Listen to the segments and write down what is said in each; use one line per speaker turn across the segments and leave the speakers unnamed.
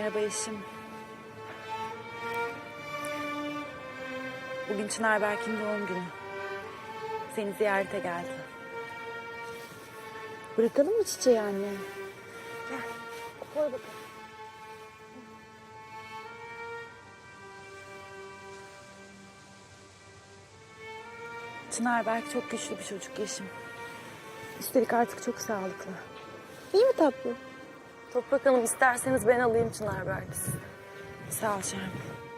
Merhaba Yeşim. Bugün Çınar Berk'in doğum günü. Seni ziyarete geldi. Bırakalım mı çiçeği anne? Gel, koy bakalım. Çınar Berk çok güçlü bir çocuk Yeşim. Üstelik artık çok sağlıklı. İyi mi tatlı?
Toprak Hanım isterseniz ben alayım Çınar Berk'i size.
Sağ ol Şermin.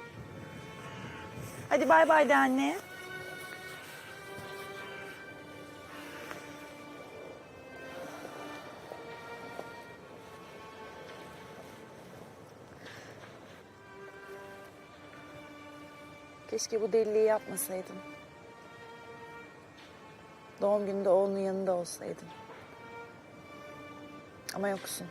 Hadi bay bay de anne. Keşke bu deliliği yapmasaydım. Doğum gününde oğlunun yanında olsaydım. Ama yoksun.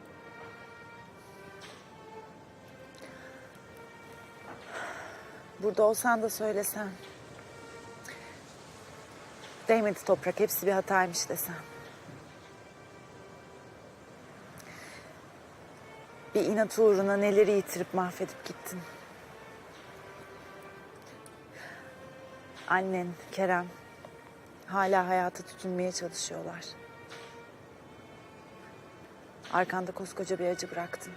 Burada olsan da söylesen. Değmedi Toprak, hepsi bir hataymış desen. Bir inat uğruna neleri yitirip mahvedip gittin. Annen, Kerem hala hayata tutunmaya çalışıyorlar. Arkanda koskoca bir acı bıraktın.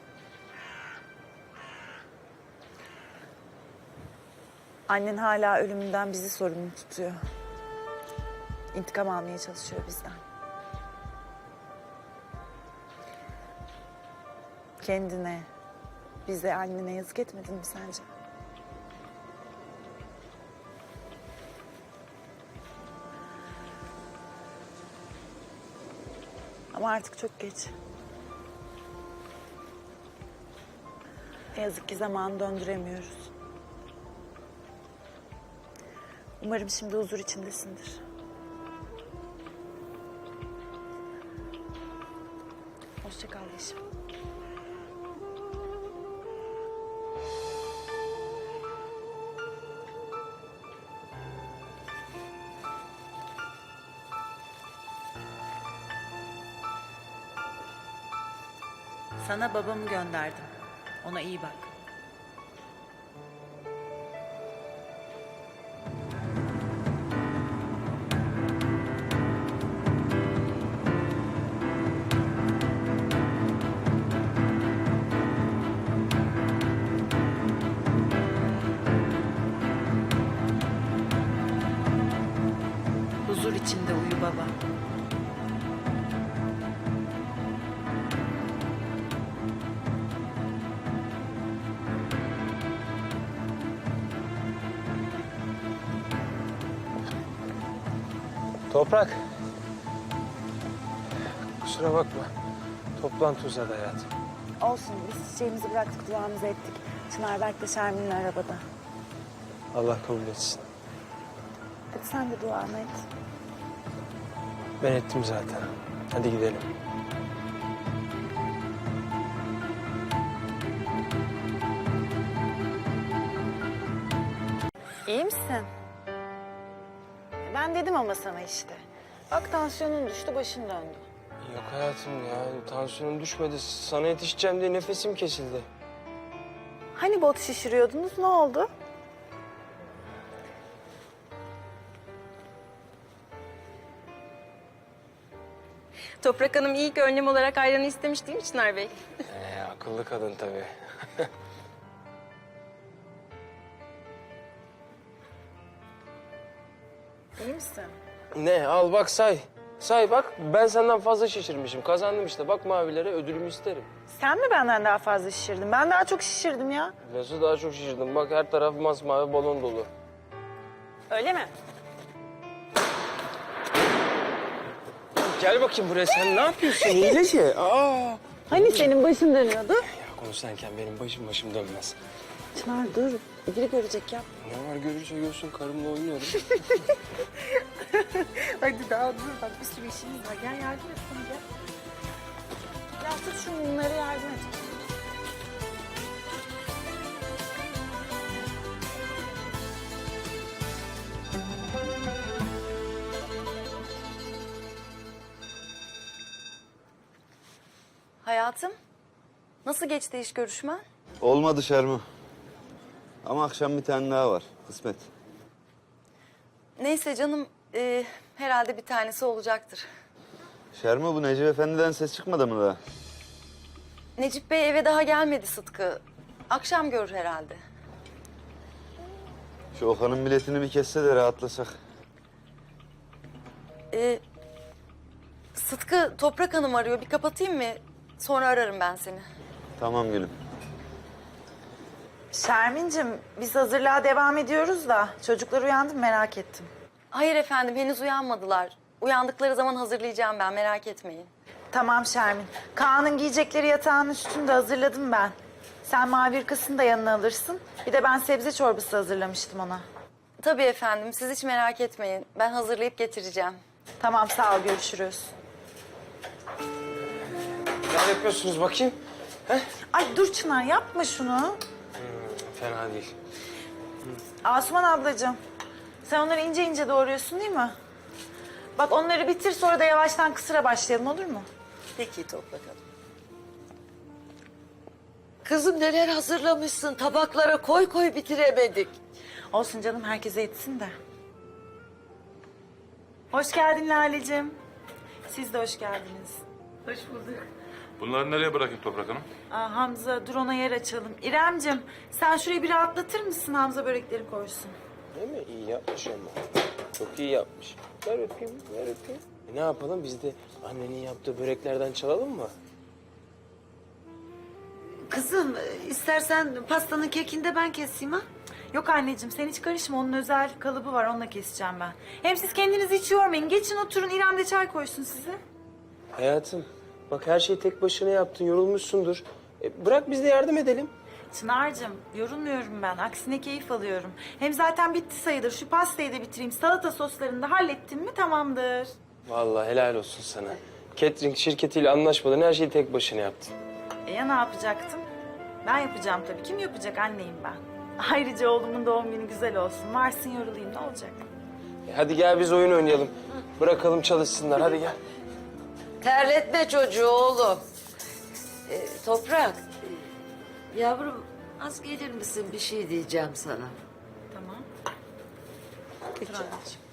Annen hala ölümünden bizi sorumlu tutuyor. İntikam almaya çalışıyor bizden. Kendine, bize, annene yazık etmedin mi sence? Ama artık çok geç. Ne yazık ki zamanı döndüremiyoruz. Umarım şimdi huzur içindesindir. Hoşça kal Yeşim. Sana babamı gönderdim. Ona iyi bak. Huzur içinde uyu baba.
Toprak. Kusura bakma. Toplantı uzadı hayatım.
Olsun, biz çiçeğimizi bıraktık, duamızı ettik. Çınar Berk de Şermin'le arabada.
Allah kabul etsin.
Hadi sen de duanı et.
Ben ettim zaten. Hadi gidelim.
İyi misin? Ben dedim ama sana işte. Bak tansiyonun düştü, başın döndü.
Yok hayatım ya. Tansiyonum düşmedi. Sana yetişeceğim diye nefesim kesildi.
Hani bot şişiriyordunuz, ne oldu?
Toprak Hanım ilk önlem olarak ayranı istemiş değil mi Çınar Bey?
Akıllı kadın tabii.
İyi misin?
Ne? Al bak say. Say bak. Ben senden fazla şişirmişim. Kazandım işte. Bak mavilere ödülümü isterim.
Sen mi benden daha fazla şişirdin? Ben daha çok şişirdim ya.
Nasıl daha çok şişirdim? Bak her taraf masmavi balon dolu.
Öyle mi?
Gel bakayım buraya. Sen ne yapıyorsun? Hileci.
Hani senin başın dönüyordu?
Ya konuşurken benim başım dönmez.
Çınar dur, biri görecek ya.
Ne var görürse görsün, karımla oynuyorum.
Hadi daha dur, bak bir sürü işimiz var. Gel yardım et bana, gel. Ya tut şu mumları, yardım et. Hayatım,
Nasıl geçti iş görüşmen?
Olmadı Şermo. Ama akşam bir tane daha var. Kısmet.
Neyse canım, herhalde bir tanesi olacaktır.
Şermo, bu Necip Efendi'den ses çıkmadı mı daha?
Necip Bey eve daha gelmedi Sıtkı. Akşam görür herhalde.
Şu Okan'ın biletini bir kesse de rahatlasak.
Sıtkı, Toprak Hanım arıyor. Bir kapatayım mı? Sonra ararım ben seni.
Tamam gülüm.
Şermin'cim biz hazırlığa devam ediyoruz da çocuklar uyandı mı merak ettim.
Hayır efendim, henüz uyanmadılar. Uyandıkları zaman hazırlayacağım ben, merak etmeyin.
Tamam Şermin. Kaan'ın giyecekleri yatağın üstünde hazırladım ben. Sen mavi hırkasını da yanına alırsın. Bir de ben sebze çorbası hazırlamıştım ona.
Tabii efendim, siz hiç merak etmeyin. Ben hazırlayıp getireceğim.
Tamam sağ ol görüşürüz.
Ne yapıyorsunuz bakayım?
Ay dur Çınar yapma şunu.
Fena değil.
Asuman ablacığım sen onları ince ince doğruyorsun değil mi? Bak onları bitir sonra da yavaştan kısıra başlayalım olur mu?
Peki Toprak Hanım. Kızım neler hazırlamışsın. Tabaklara koy koy bitiremedik.
Olsun canım herkese yetsin de. Hoş geldin Lale'cim. Siz de hoş geldiniz. Hoş bulduk.
Bunları nereye bırakayım Toprak Hanım?
Hamza dur ona yer açalım. İremcim sen şurayı bir rahatlatır mısın Hamza börekleri koysun.
Değil mi? İyi yapmış ama. Çok iyi yapmış. Ver öpeyim, ver öpeyim. Ne yapalım? Biz de annenin yaptığı böreklerden çalalım mı?
Kızım istersen pastanın kekini de ben keseyim ha.
Yok anneciğim sen hiç karışma onun özel kalıbı var onunla keseceğim ben. Hem siz kendinizi hiç yormayın geçin oturun İrem de çay koysun size.
Hayatım, bak her şeyi tek başına yaptın, yorulmuşsundur. Bırak biz de yardım edelim.
Çınar'cığım yorulmuyorum ben aksine keyif alıyorum. Hem zaten bitti sayılır şu pastayı da bitireyim salata soslarını da hallettim mi tamamdır.
Vallahi helal olsun sana. Catering şirketiyle anlaşmadan her şeyi tek başına yaptın.
Ya ne yapacaktım? Ben yapacağım tabii. Kim yapacak? Anneyim ben. Ayrıca oğlumun doğum günü güzel olsun. Varsın yorulayım ne olacak?
Hadi gel biz oyun oynayalım. Bırakalım çalışsınlar, hadi gel.
Terletme çocuğu oğlum. Toprak. Yavrum az gelir misin? Bir şey diyeceğim sana.
Tamam. Dur anneciğim.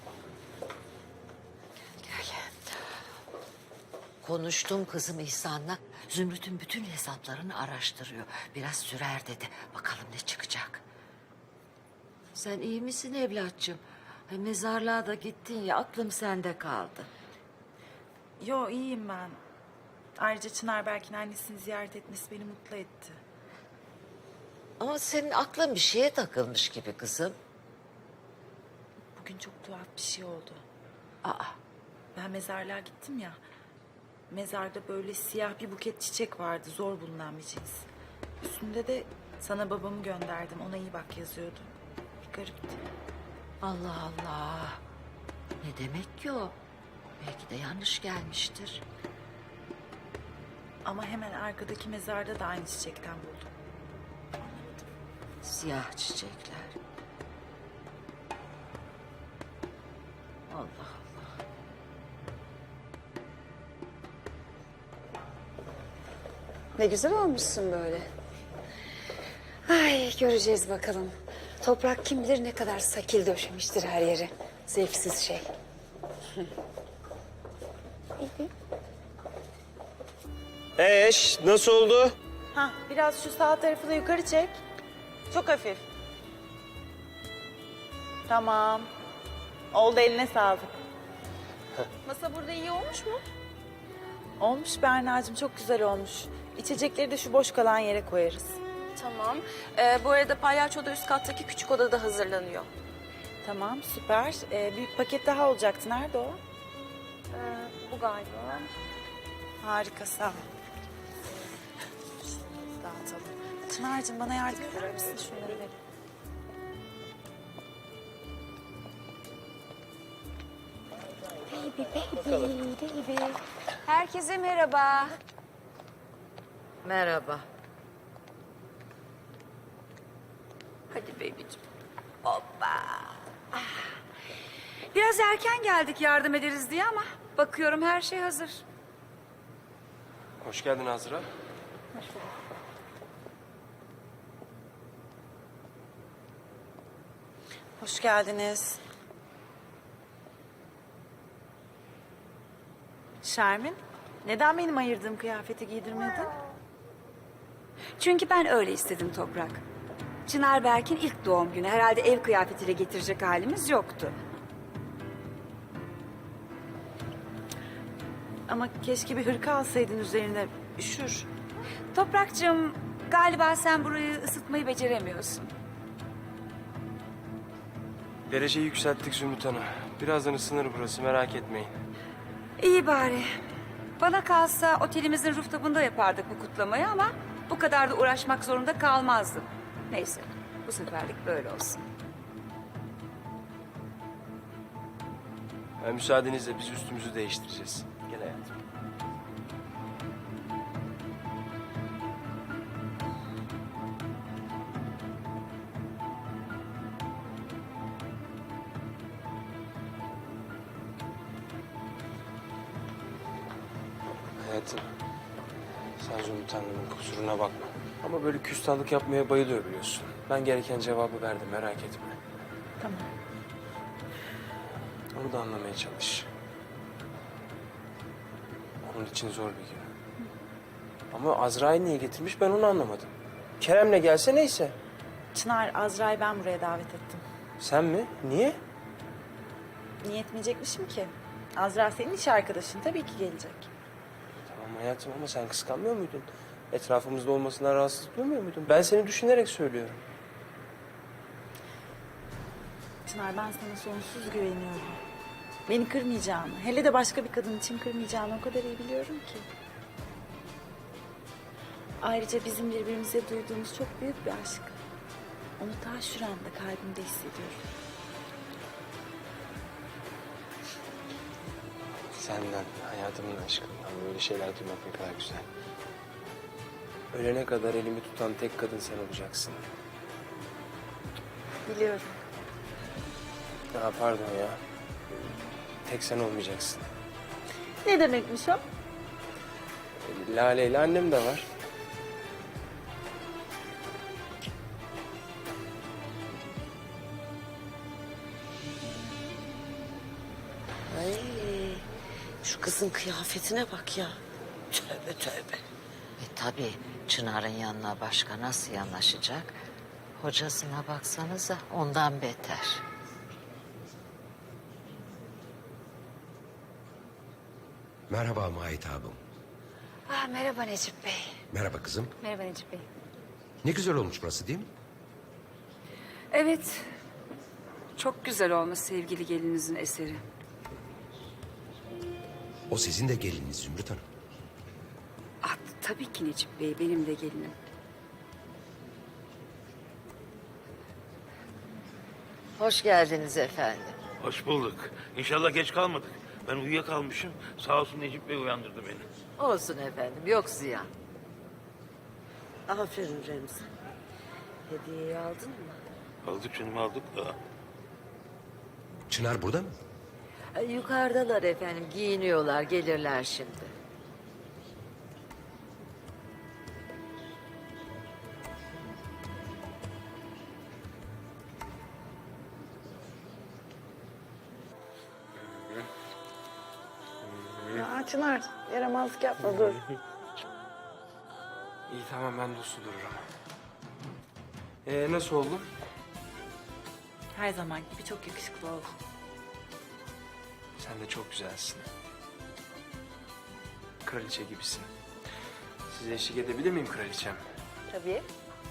Konuştum kızım İhsan'la. Zümrüt'ün bütün hesaplarını araştırıyor. Biraz sürer dedi. Bakalım ne çıkacak. Sen iyi misin evlatçım? Mezarlığa da gittin ya aklım sende kaldı.
Yo iyiyim ben. Ayrıca Çınar Berk'in annesini ziyaret etmesi beni mutlu etti.
Ama senin aklın bir şeye takılmış gibi kızım.
Bugün çok tuhaf bir şey oldu.
Aa,
Ben mezarlığa gittim ya. Mezarda böyle siyah bir buket çiçek vardı. Zor bulunan bir cins. Üstünde de sana babamı gönderdim. Ona iyi bak yazıyordu. Bir garipti.
Allah Allah. Ne demek ki o? Belki de yanlış gelmiştir.
Ama hemen arkadaki mezarda da aynı çiçekten buldum.
Siyah çiçekler. Allah Allah.
Ne güzel olmuşsun böyle. Ay göreceğiz bakalım. Toprak kim bilir ne kadar sakil döşemiştir her yeri. Zevksiz şey.
Nasıl oldu?
Ha, biraz şu sağ tarafı da yukarı çek. Çok hafif. Tamam. Oldu eline sağlık.
Masa burada iyi olmuş mu?
Olmuş Berna'cığım çok güzel olmuş. İçecekleri de şu boş kalan yere koyarız.
Tamam. Bu arada palyaço da üst kattaki küçük odada hazırlanıyor.
Tamam süper. Bir paket daha olacaktı. Nerede o?
Bu galiba.
Harika sağ ol. Dağıtalım. Çınar'cığım bana yardım eder misin? Şunları ver.
Baby. Herkese merhaba.
Merhaba.
Hadi baby'cim.
Biraz erken geldik yardım ederiz diye ama bakıyorum her şey hazır.
Hoş geldin Azra.
Hoş geldiniz. Şermin, neden benim ayırdığım kıyafeti giydirmedin?
Çünkü ben öyle istedim Toprak. Çınar Berk'in ilk doğum günü. Herhalde ev kıyafetiyle getirecek halimiz yoktu.
Ama keşke bir hırka alsaydın üzerine. Üşür.
Toprakcığım, galiba sen burayı ısıtmayı beceremiyorsun.
Dereceyi yükselttik Zümrüt Hanım. Birazdan ısınır burası, merak etmeyin.
İyi bari. Bana kalsa otelimizin rooftop'unda yapardık bu kutlamayı ama bu kadar da uğraşmak zorunda kalmazdım. Neyse, bu seferlik böyle olsun.
Müsaadenizle biz üstümüzü değiştireceğiz. Gel hayatım. Hayatım, sen Zümrüt Hanım'ın kusuruna bakma. Ama böyle küstahlık yapmaya bayılıyor biliyorsun. Ben gereken cevabı verdim, merak etme.
Tamam.
Onu da anlamaya çalış. Onun için zor bir gün. Ama Azra'yı niye getirmiş ben onu anlamadım. Kerem'le gelse neyse.
Çınar, Azra'yı ben buraya davet ettim.
Sen mi? Niye?
Niye etmeyecekmişim ki? Azra senin iş arkadaşın, tabii ki gelecek.
Tamam hayatım ama sen kıskanmıyor muydun? Etrafımızda olmasından rahatsız duymuyor muydun? Ben seni düşünerek söylüyorum.
Çınar, ben sana sonsuz güveniyorum. Beni kırmayacağını, hele de başka bir kadın için kırmayacağını o kadar iyi biliyorum ki. Ayrıca bizim birbirimize duyduğumuz çok büyük bir aşk. Onu ta şuranda kalbimde hissediyorum.
Senden, hayatımın aşkından böyle şeyler duymak ne kadar güzel. Ölene kadar elimi tutan tek kadın sen olacaksın.
Biliyorum.
Ya pardon ya. Tek sen olmayacaksın.
Ne demekmiş o?
Lale ile annem de var.
Ay, şu kızın kıyafetine bak ya. Tövbe tövbe. Tabii Çınar'ın yanına başka nasıl yanaşacak? Hocasına baksanıza ondan beter.
Merhaba Mahitabım.
Merhaba Necip Bey.
Merhaba kızım.
Merhaba Necip Bey.
Ne güzel olmuş burası değil mi?
Evet, çok güzel olmuş sevgili gelininizin eseri.
O sizin de gelininiz Zümrüt Hanım.
Tabii ki Necip Bey, benim de gelinim.
Hoş geldiniz efendim.
Hoş bulduk. İnşallah geç kalmadık. Ben uyuyakalmışım. Sağ olsun Necip Bey uyandırdı beni.
Olsun efendim yok ziyan. Aferin Remzi. Hediyeyi aldın mı?
Aldık canım aldık da.
Çınar burada mı?
Yukarıdalar efendim giyiniyorlar gelirler şimdi.
Ya Çınar, yaramazlık yapma, dur.
İyi tamam ben de uslu dururum. Nasıl oldu?
Her zaman gibi çok yakışıklı oldun.
Sen de çok güzelsin. Kraliçe gibisin. Size eşlik edebilir miyim kraliçem?
Tabii.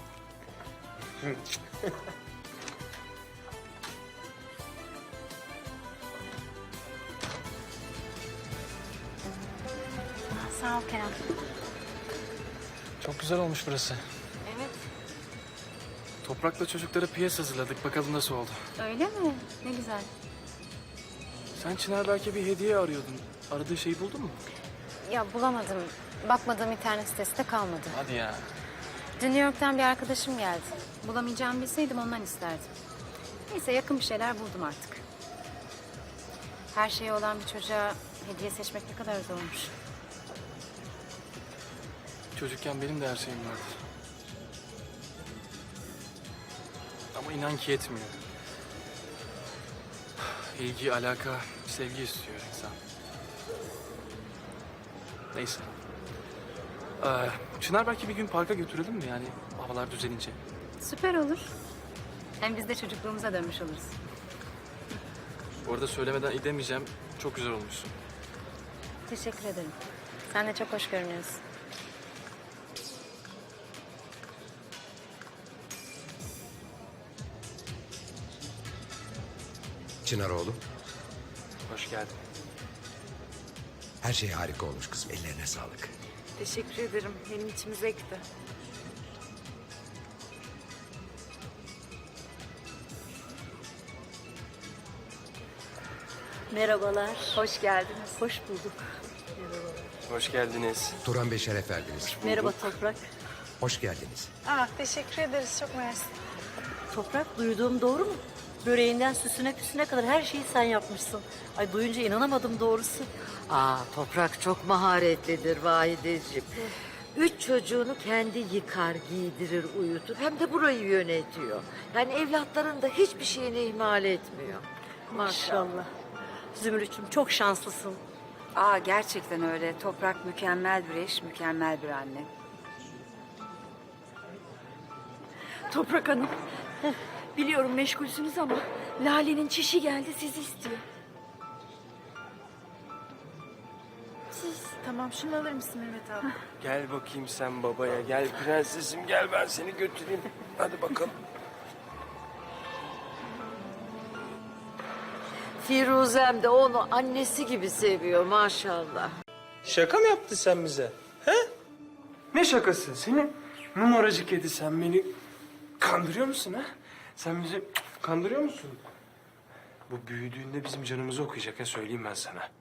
Sağ ol Kerem.
Çok güzel olmuş burası.
Evet.
Toprak'la çocuklara piyes hazırladık. Bakalım nasıl oldu.
Öyle mi? Ne güzel.
Sen Çınar belki bir hediye arıyordun. Aradığı şeyi buldun mu?
Ya bulamadım. Bakmadığım internet sitesi de kalmadı.
Hadi ya.
Dün New York'tan bir arkadaşım geldi. Bulamayacağımı bilseydim ondan isterdim. Neyse yakın bir şeyler buldum artık. Her şeyi olan bir çocuğa hediye seçmek ne kadar zormuş.
Çocukken benim de her şeyim vardı. Ama inan ki yetmiyor. ilgi, alaka, sevgi istiyor insan. Neyse. Çınar belki bir gün parka götürelim mi yani havalar düzelince?
Süper olur. Hem biz de çocukluğumuza dönmüş oluruz.
Bu arada söylemeden edemeyeceğim. Çok güzel olmuşsun.
Teşekkür ederim. Sen de çok hoş görünüyorsun.
Çınar oğlum.
Hoş geldin.
Her şey harika olmuş kızım. Ellerine sağlık.
Teşekkür ederim. Benim içim zevkti.
Merhabalar.
Hoş geldiniz.
Hoş bulduk.
Hoş geldiniz.
Turan Bey şeref verdiniz.
Merhaba Toprak.
Hoş geldiniz.
Teşekkür ederiz. Çok mersi.
Toprak, duyduğum doğru mu? Böreğinden süsüne püsüne kadar her şeyi sen yapmışsın. Ay duyunca inanamadım doğrusu. Toprak çok maharetlidir Vahideciğim. 3 çocuğunu kendi yıkar, giydirir, uyutur. Hem de burayı yönetiyor. Yani evlatların da hiçbir şeyini ihmal etmiyor. Maşallah. Zümrüt'cüğüm çok şanslısın.
Gerçekten öyle. Toprak mükemmel bir eş, mükemmel bir anne.
Toprak Hanım, biliyorum meşgulsünüz ama Lale'nin çişi geldi, sizi istiyor.
Tamam, şunu alır mısın Mehmet abi?
Gel bakayım sen babaya. Gel prensesim gel ben seni götüreyim. Hadi bakalım.
Firuzem de onu annesi gibi seviyor maşallah.
Şaka mı yaptın sen bize? He? Ne şakası? Senin numaracı kedi sen beni kandırıyor musun ha? Sen bizi kandırıyor musun? Bu büyüdüğünde bizim canımızı okuyacak ha söyleyeyim ben sana.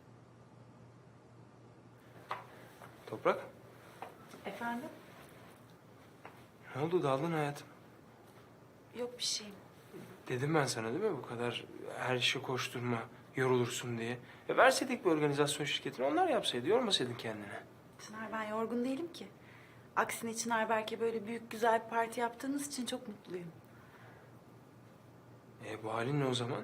Toprak,
Efendim?
ne oldu daldın hayatım?
Yok bir şeyim.
Dedim ben sana değil mi bu kadar her işe koşturma, yorulursun diye. Verseydik bir organizasyon şirketine onlar yapsaydı, yormasaydın kendini.
Çınar, ben yorgun değilim ki. Aksine Çınar Berk'e böyle büyük güzel bir parti yaptığınız için çok mutluyum.
Bu halin ne o zaman?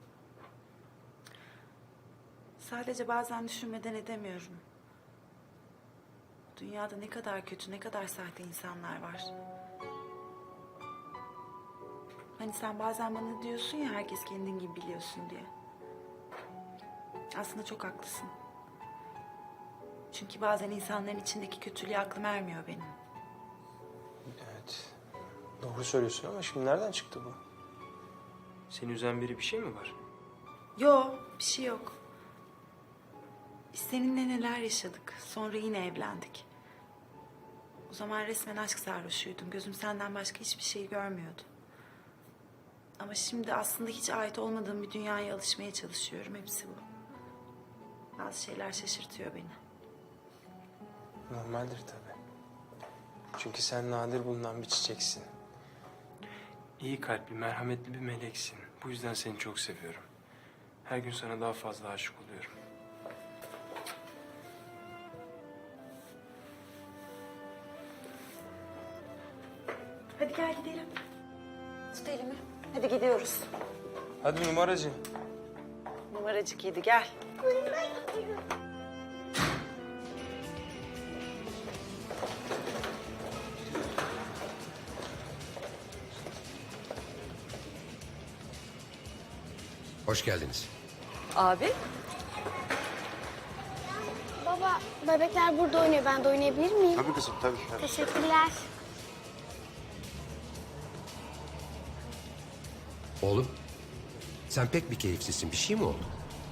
Sadece bazen düşünmeden edemiyorum. Dünyada ne kadar kötü, ne kadar sahte insanlar var. Hani sen bazen bana diyorsun ya herkes kendin gibi biliyorsun diye. Aslında çok haklısın. Çünkü bazen insanların içindeki kötülüğe aklım ermiyor benim.
Evet. Doğru söylüyorsun ama şimdi nereden çıktı bu? Seni üzen biri bir şey mi var?
Yok, bir şey yok. Biz seninle neler yaşadık. Sonra yine evlendik. O zaman resmen aşk sarhoşuydum. Gözüm senden başka hiçbir şey görmüyordu. Ama şimdi aslında hiç ait olmadığım bir dünyaya alışmaya çalışıyorum. Hepsi bu. Bazı şeyler şaşırtıyor beni.
Normaldir tabii. Çünkü sen nadir bulunan bir çiçeksin. İyi kalpli, merhametli bir meleksin. Bu yüzden seni çok seviyorum. Her gün sana daha fazla aşık oluyorum.
Hadi gel gidelim. Tut elimi. Hadi gidiyoruz.
Hadi numaracı.
Numaracık yedi gel.
Hoş geldiniz.
Abi,
Baba, bebekler burada oynuyor. Ben de oynayabilir miyim?
Tabii kızım tabii.
Teşekkürler.
Oğlum, sen pek bir keyifsizsin. Bir şey mi oldu?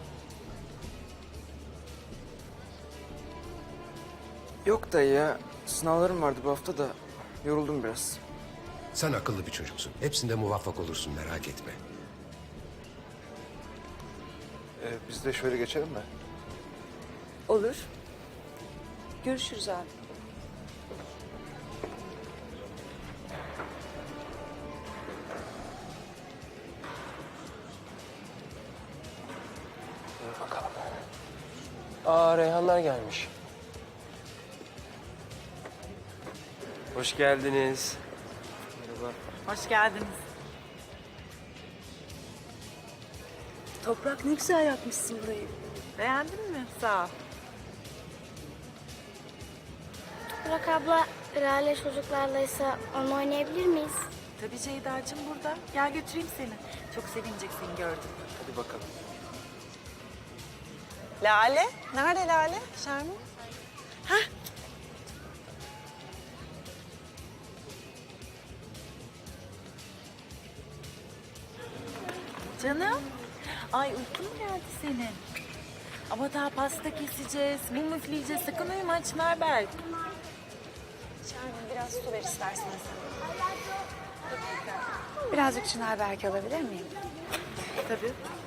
Yok dayı ya. Sınavlarım vardı bu hafta da yoruldum biraz.
Sen akıllı bir çocuksun. Hepsinde muvaffak olursun, merak etme.
Biz de şöyle geçelim mi?
Olur. Görüşürüz abi.
Dur bakalım. Reyhanlar gelmiş. Hoş geldiniz. Merhaba.
Hoş geldiniz.
Toprak ne güzel yapmışsın burayı.
Beğendin mi? Sağ ol.
Burak abla, Lale çocuklarlaysa onu oynayabilir miyiz?
Tabii Ceyda'cığım burada. Gel götüreyim seni. Çok sevinecek seni gördüm.
Hadi bakalım.
Lale? Nerede Lale? Şermin?
Canım. Ay uykun mu geldi senin? Ama daha pasta keseceğiz, mum üfleyeceğiz. Sakın uyuma Çınarberk.
Şermin biraz su ver istersen sen.
Birazcık Çınar belki alabilir miyim?
Tabii.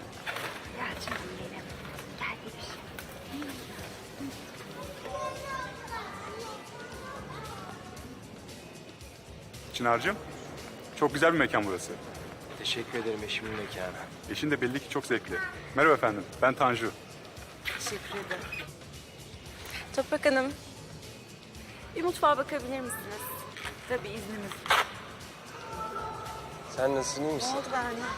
Çınar'cığım, çok güzel bir mekan burası.
Teşekkür ederim eşimin mekanı.
Eşin de belli ki çok zevkli. Merhaba efendim, ben Tanju.
Teşekkür ederim.
Toprak Hanım. Bir mutfağa bakabilir misiniz?
Tabii izniniz.
Sen nasılsın, iyi misin?
Ne oldu Berna?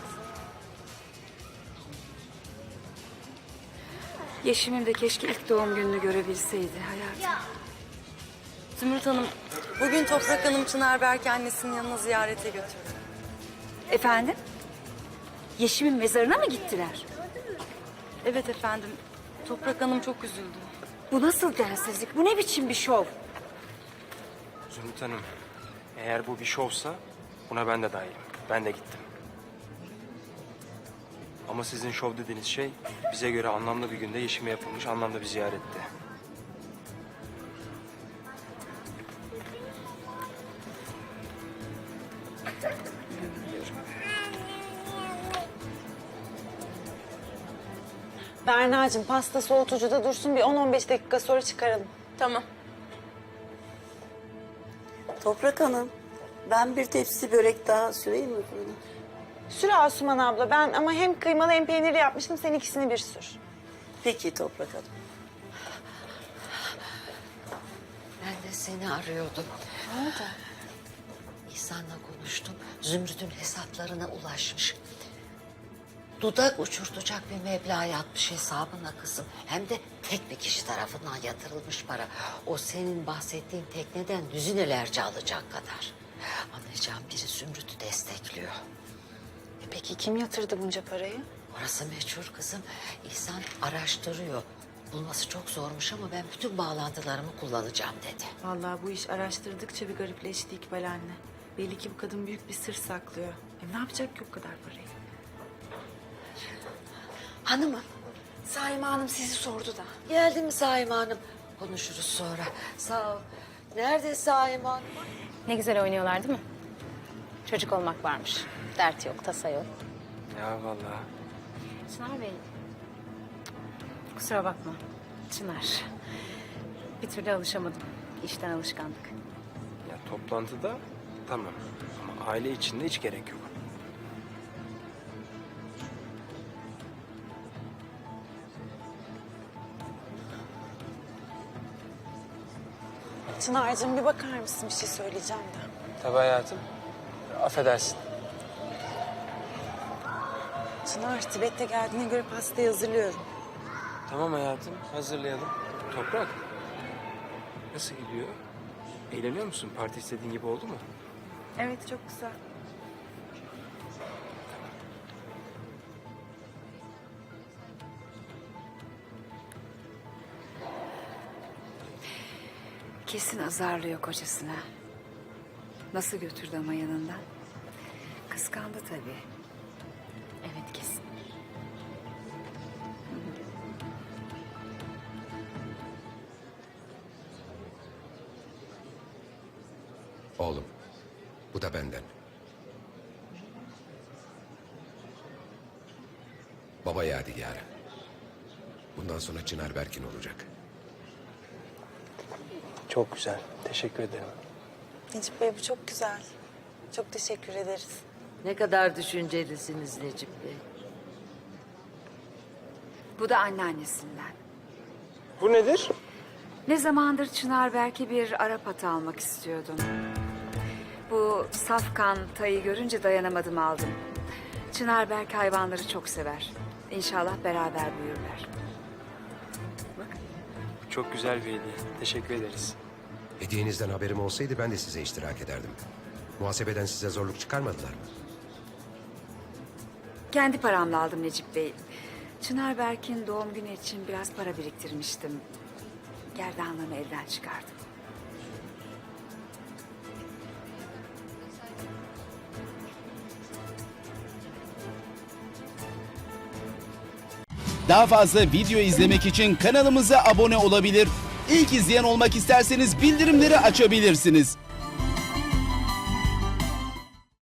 Yeşim'im de keşke ilk doğum gününü görebilseydi hayatım.
Zümrüt Hanım, bugün Toprak Hanım Çınar Berk'i annesinin yanına ziyarete götürdü.
Efendim? Yeşim'in mezarına mı gittiler?
Evet efendim, Toprak Hanım çok üzüldü.
Bu nasıl densizlik? Bu ne biçim bir şov?
Zümrüt Hanım, eğer bu bir şovsa buna ben de dahilim. Ben de gittim. Ama sizin şov dediğiniz şey bize göre anlamlı bir günde Yeşim'e yapılmış anlamlı bir ziyaretti.
Berna'cığım pasta soğutucuda dursun bir 10-15 dakika sonra çıkaralım. Tamam.
Toprak Hanım, ben bir tepsi börek daha süreyim mi fırına?
Sür Asuman abla ben ama hem kıymalı hem peynirli yapmıştım sen ikisini bir sür.
Peki Toprak Hanım.
Ben de seni arıyordum.
Ne oldu?
İhsan'la konuştum. Zümrüt'ün hesaplarına ulaşmış. Dudak uçurtacak bir meblağ yatmış hesabına kızım. Hem de tek bir kişi tarafından yatırılmış para. O senin bahsettiğin tekneden düzinelerce alacak kadar. Anlayacağım biri Zümrüt'ü destekliyor.
Peki kim yatırdı bunca parayı?
Orası meçhul kızım. İhsan araştırıyor. Bulması çok zormuş ama ben bütün bağlantılarımı kullanacağım dedi.
Vallahi bu iş araştırdıkça bir garipleşti İkbal anne. Belli ki bu kadın büyük bir sır saklıyor. Ne yapacak ki o kadar parayı?
Hanımım.
Saime Hanım sizi sordu da.
Geldi mi Saime Hanım? Konuşuruz sonra. Sağ ol. Nerede Saime Hanım?
Ne güzel oynuyorlar değil mi? Çocuk olmak varmış. Dert yok, tasa yok.
Ya vallahi.
Çınar Bey, kusura bakma. Çınar, bir türlü alışamadım. İşten alışkanlık.
Ya toplantıda tamam ama aile içinde hiç gerek yok.
Çınar'cığım bir bakar mısın bir şey söyleyeceğim de.
Tabii hayatım. Affedersin.
Çınar Tibet'te geldiğine göre pastayı hazırlıyorum.
Tamam hayatım, hazırlayalım. Toprak, nasıl gidiyor? Eğleniyor musun? Parti istediğin gibi oldu mu?
Evet çok güzel.
Kesin azarlıyor kocasına. Nasıl götürdü ama yanından? Kıskandı tabii. Evet kesin.
Oğlum, bu da benden. Baba yadigarı. Bundan sonra Çınar Berk'in olacak.
Çok güzel, teşekkür ederim.
Necip Bey bu çok güzel. Çok teşekkür ederiz.
Ne kadar düşüncelisiniz Necip Bey.
Bu da anneannesinden.
Bu nedir?
Ne zamandır Çınar belki bir Arap atı almak istiyordum. Bu safkan tayı görünce dayanamadım aldım. Çınar Berk hayvanları çok sever. İnşallah beraber büyürler.
Çok güzel bir hediye. Teşekkür ederiz.
Hediyenizden haberim olsaydı ben de size iştirak ederdim. Muhasebeden size zorluk çıkarmadılar mı?
Kendi paramla aldım Necip Bey. Çınar Berk'in doğum günü için biraz para biriktirmiştim. Gerdanlığımı elden çıkardım.
Daha fazla video izlemek için kanalımıza abone olabilir. İlk izleyen olmak isterseniz bildirimleri açabilirsiniz.